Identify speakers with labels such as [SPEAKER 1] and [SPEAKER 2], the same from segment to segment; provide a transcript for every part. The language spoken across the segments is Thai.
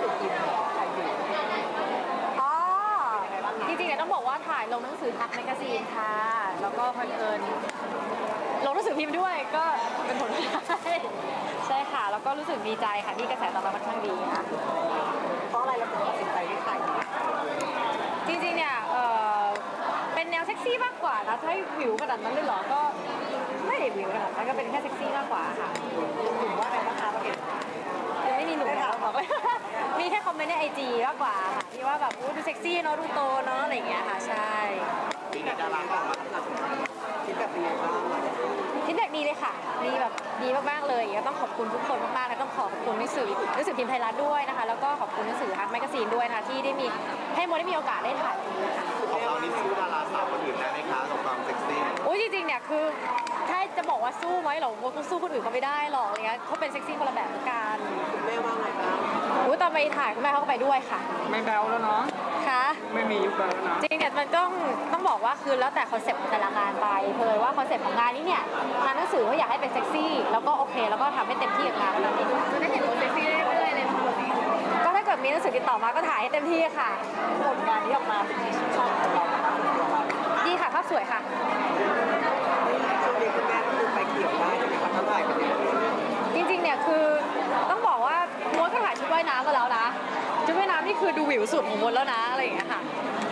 [SPEAKER 1] สือพิมพ์ไทยอยู่
[SPEAKER 2] อ๋อจริงๆเนี่ยต้องบอกว่าถ่ายลงหนังสือทักแมกกาซีนค่ะแล้วก็เพลินลงหนังสือพิมพ์ด้วยก็เป็นผลได้ใช่ค่ะแล้วก็รู้สึกดีใจค่ะที่กระแสตอบรับค่อนข้างดีค่ะ
[SPEAKER 1] เพราะอะไรเราถึงตัดสินใจที่ถ่าย
[SPEAKER 2] จริงๆเนี่ยเป็นแนวเซ็กซี่มากกว่านะถ้าวิวขนาดนั้นเลยเหรอก็ไม่ได้วิวขนาดนั้นก็เป็นแค่เซ็กซี่มากกว่าค่ะ
[SPEAKER 1] ถึงว่าอะไรนะคะเราเห็น
[SPEAKER 2] ยังไม่มีหนุ่มแล้วบอกเลยมีแค่คอมเมนต์ในไอจีมากกว่าค่ะที่ว่าแบบดูเซ็กซี่เนาะดูโตเนาะอะไรอย่างเงี้ยค่ะใช่
[SPEAKER 1] มีดาราก็ออกมาคิดแบบนี้บ้าง
[SPEAKER 2] คิดแบบดีเลยค่ะดีแบบดีมากๆเลยก็ต้องขอบคุณทุกคนมากๆและต้องขอบคุณหนังสือพิมพ์ไทยรัฐด้วยนะคะแล้วก็ขอบคุณหนังสือฮักแมกกาซีนด้วยนะคะที่ได้มีให้โมได้มีโอกาสได้ถ่ายค่ะ
[SPEAKER 1] ของเรานี่สู้ดาราสาวคนอื่นได้ไหมคะกับความเซ็กซี่
[SPEAKER 2] อุ้ยจริงๆเนี่ยคือถ้าจะบอกว่าสู้ไหมหรอโมก็สู้คนอื่นเขาไม่ได้หรอกอะไรเงี้ยเขาเป็นเซ็กซี่คนละแบบกัน
[SPEAKER 1] คุณแม่ว่าไงบ้าง
[SPEAKER 2] อุ้ยตอนไปถ่ายคุณแม่เขาก็ไปด้วยค่ะ
[SPEAKER 1] ไม่แบลแล้วเนาะ
[SPEAKER 2] ค่ะ
[SPEAKER 1] ไม่มียุคแบลแล้วนะ
[SPEAKER 2] จริงๆเนี่ยมันต้องบอกว่าคือแล้วแต่คอนเซ็ปต์ของแต่ละงานไปเลยว่าคอนเซ็ปต์ของงานนี้เนี่ยงานหนังสือเขาอยากให้เป็นเซ็กซี่แล้วก็โอเคแล้วก็ทำให้เต็มที่กับงานนี้จะได้เห็นโมเซ็กซี่เรื่อยๆเลยก็ถ้าเกิดมีหนังสือติดต่อมาก็ถ่ายให้เต็มที่ค่ะ
[SPEAKER 1] ผลงานที่ออกมาเป็นที่ชื่นชอบของเรา
[SPEAKER 2] ดีค่ะภาพสวยค่ะ
[SPEAKER 1] ช่วงนี้คุณแม่ก็คือไปเกี่ยวได้ใช่ไหมคะเขาถ่ายกัน
[SPEAKER 2] จริงๆเนี่ยคือต้องบอกว่าโมดก็ถ่ายชุดว่ายน้ำมาแล้วนะชุดว่ายน้ำนี่คือดูวิวสุดของโมดแล้วนะอะไรอย่างเงี้ยค่ะ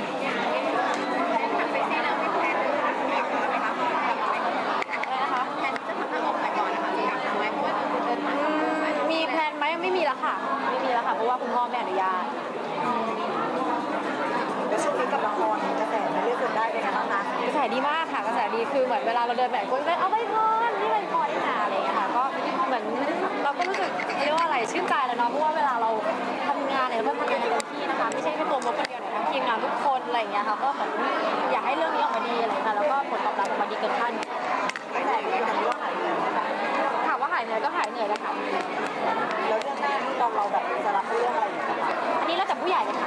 [SPEAKER 2] มีแพลนไหมไม่มีแล้วค่ะไม่มีแล้วค่ะเพราะว่าคุณพ่อไม่อนุญาต
[SPEAKER 1] แล้วช่วงนี้กับละครกระแสเรียกคนได้เป็นไงบ้างคะ
[SPEAKER 2] กระแสดีมากค่ะกระแสดีคือเหมือนเวลาเราเดินแบบคนก็เอาไปพรนี่ไปพรนี่นาอะไรอย่างเงี้ยค่ะก็เหมือนเราก็รู้สึกเรียกว่าอะไรชื่นใจแล้วเนาะเพราะว่าเวลาเราทำงานเนี่ยเราก็ทำงานเต็มที่นะคะไม่ใช่แค่ตัวโมคนเดียวเนี่ยทั้งทีมงานทุกคนอะไรอย่างเงี้ยค่ะก็เหมือนอยากให้เรื่องนี้ออกมาดีอะไรค่ะแล้วก็ผลตอบรับออกมาดีเกินคาด
[SPEAKER 1] ไม่แต่ยังไม่ว่าหายเหนื่อย
[SPEAKER 2] ถามว่าหายเหนื่อยก็หายเหนื่อยแล้วค่ะ
[SPEAKER 1] แล้วเรื่องหน้าที่เราแบบจะรับเรื่องอะไรอย่างเงี้ย
[SPEAKER 2] อันนี้แล้วแต่ผู้ใหญ่เลยค่ะ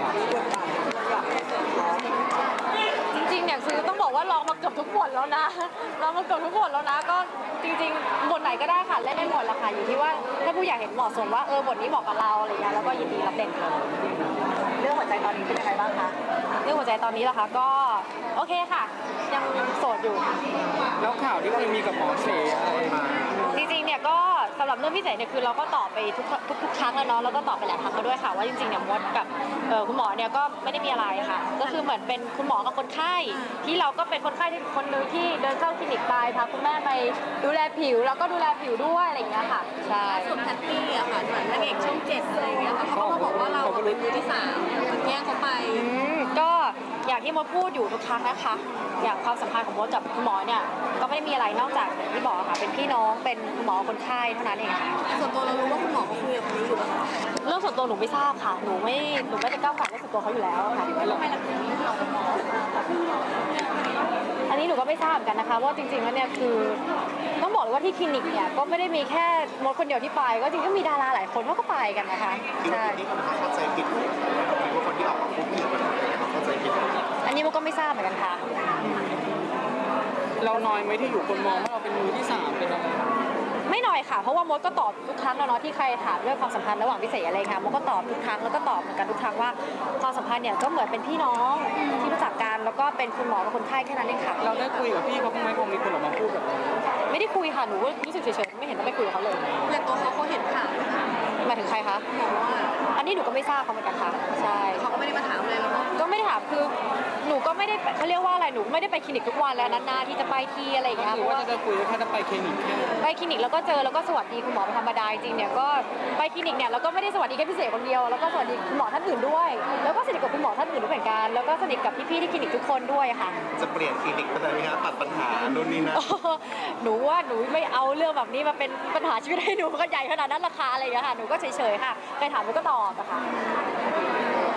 [SPEAKER 2] จริงๆเนี่ยคือต้องบอกว่าลองมาเกือบทุกบทแล้วนะลองมาเกือบทุกบทแล้วนะก็จริงๆบทไหนก็ได้ค่ะเล่นได้หมดแหละค่ะอยู่ที่ว่าถ้าผู้ใหญ่เห็นเหมาะสมว่าบทนี้เหมาะกับเราอะไรเงี้ยแล้วก็ยินดีรับเล่นค่ะ
[SPEAKER 1] เรื่องหัวใจตอนนี้เป็นยังไงบ้างคะ
[SPEAKER 2] เรื่องหัวใจตอนนี้ล่ะคะก็โอเคค่ะยังโสดอยู่
[SPEAKER 1] แล้วข่าวที่เคยมีกับหมอเสอะไรมา
[SPEAKER 2] จริงๆเนี่ยก็สำหรับเรื่องพิเศษเนี่ยคือเราก็ตอบไปทุกครั้งแล้วเนาะแล้วก็ตอบไปหลายครั้งแล้วด้วยค่ะว่าจริงๆเนี่ยมดกับคุณหมอเนี่ยก็ไม่ได้มีอะไรค่ะก็คือเหมือนเป็นคุณหมอกับคนไข้ที่เราก็เป็นคนไข้ที่คนนึงที่เดินเข้าคลินิกไปพาคุณแม่ไปดูแลผิวแล้วก็ดูแลผิวด้วยอะไรอย่างเงี้ยค่ะใช่
[SPEAKER 3] ส่วนแพตตี้อะค่ะเหมือนนางเอกช่อง7อะไรเงี้ยค่ะเขาก็มาบอกว่าเราเป็นมือที่3แย่งเขาไป
[SPEAKER 2] ก็อย่างที่มดพูดอยู่ทุกครั้งนะคะอย่างความสัมพันธ์ของมดกับคุณหมอเนี่ยก็ไม่ได้มีอะไรนอกจากที่บอกค่ะเป็นพี่น้องเป็นคุณหมอคนไข้เท่านั้นเองค่ะ
[SPEAKER 3] ส่วนตัวเรารู้ว่าคุณหมอเขาคุยกับคนนี้อยู่
[SPEAKER 2] เรื่องส่วนตัวหนูไม่ทราบค่ะหนูไม่ได้ก้าวไก่เรื่องส่วนตัวเขาอยู่แล้วค่ะอันนี้หนูก็ไม่ทราบกันนะคะว่าจริงๆแล้วเนี่ยคือต้องบอกเลยว่าที่คลินิกเนี่ยก็ไม่ได้มีแค่มดคนเดียวที่ไปก็จริงก็มีดาราหลายคนเขาก็ไปกันนะคะ
[SPEAKER 1] ใช่ที่คนเข้าใจผิดหรือว่าคนที่ออกมาพูดผิดมันเข้าใจผิด
[SPEAKER 2] อันนี้มดก็ไม่ทราบเหมือนกันค่ะ
[SPEAKER 1] เราน้อยไหมที่อยู่คนมองว่าเราเป็นมือที่3เป็นอะไร
[SPEAKER 2] ไม่น้อยค่ะเพราะว่ามดก็ตอบทุกครั้งแล้วเนาะที่ใครถามเรื่องความสัมพันธ์ระหว่างพิเศษอะไรค่ะมดก็ตอบทุกครั้งแล้วก็ตอบเหมือนกันทุกครั้งว่าความสัมพันธ์เนี่ยก็เหมือนเป็นพี่น้องที่รู้จักกันแล้วก็เป็นคุณหมอกับคนไข้แค่นั้นเองค่ะ
[SPEAKER 1] เราได้คุยกับพี่เขาบ้างไหมพอมีคนออกมาพูดแบบนี้
[SPEAKER 2] ไม่ได้คุยค่ะหนูรู้สึกเฉยๆไม่เห็นต้องไปคุยกับเขาเลย
[SPEAKER 3] แต่ตัวเขาเห็นข่าว
[SPEAKER 2] หมายถึงใครคะอันนี้หนูก็ไม่ทราบเขาเหมือนกันค่ะใช่
[SPEAKER 3] เขาก็ไม่ได้มาถามเลยแล้ว
[SPEAKER 2] ก็ไม่ได้ถามคือหนูก็ไม่ได้เขาเรียกว่าอะไรหนูไม่ได้ไปคลินิกทุกวันแล้วนานๆที่จะไปทีอะไรอย่างเงี้ย
[SPEAKER 1] หรือว่าจะคุยแค่ไปคลินิก
[SPEAKER 2] ไปคลินิกแล้วก็เจอแล้วก็สวัสดีคุณหมอเป็นธรรมดาจริงเนี่ยก็ไปคลินิกเนี่ยแล้วก็ไม่ได้สวัสดีแค่พิเศษคนเดียวแล้วก็สวัสดีคุณหมอท่านอื่นด้วยแล้วก็สนิทกับคุณหมอท่านอื่นด้วยเหมือนกันแล้วก็สนิทกับพี่ๆที่คลินิกทุกคนด้วยค่ะ
[SPEAKER 1] จะเปลี่ยนคลินิกไปเลยไหมคะตัดปัญหานู่นนี่นะ
[SPEAKER 2] หนูว่าหนูไม่เอาเรื่องแบบนี้มาเป็นปัญหาชีวิตให้หนูก็ใหญ่ขนาดนั้นราคาอะไรอย่างเงี้ยค่ะหนูก็เฉยๆค่ะใครถามหนูก็ตอบอะค่ะ